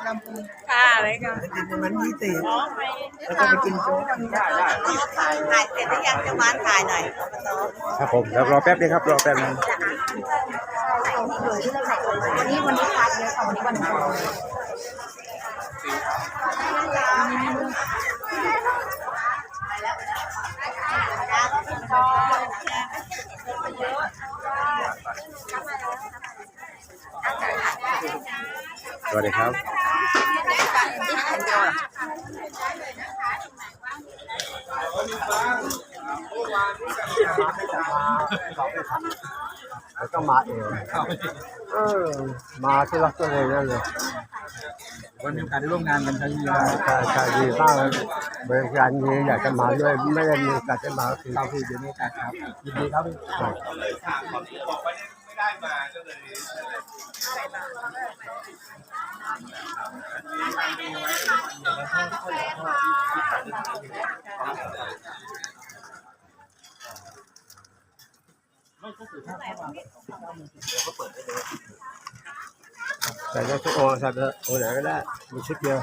ลำพูนค่ะอะไรกันไปกินมัน20แล้วก็ค่ะไปกินโจ๊กถ่ายเสร็จหรือยังจะมาถ่ายหน่อยครับผมเดี๋ยวรอแป๊บนึงครับรอแป๊บนึงวันนี้พักเยอะค่ะวันนี้วันโกนสวัสดีครับแล้วก็มาเองมาที่รักตัวเองนั่นเลยวันมีโอกาสได้ร่วมงานกันครั้งนี้ใช่ดีมากเลยบริการดีอยากจะมาด้วยไม่ได้มีโอกาสจะมาคือเราคือเดี๋ยวมีโอกาสครับยินดีครับใส่ได้ทุกโอใส่ไปโอไหนก็ได้มีชุดเดียว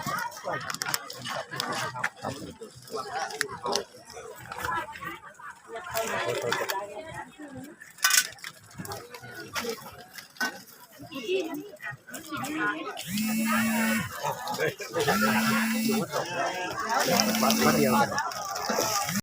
วัดเดียวกัน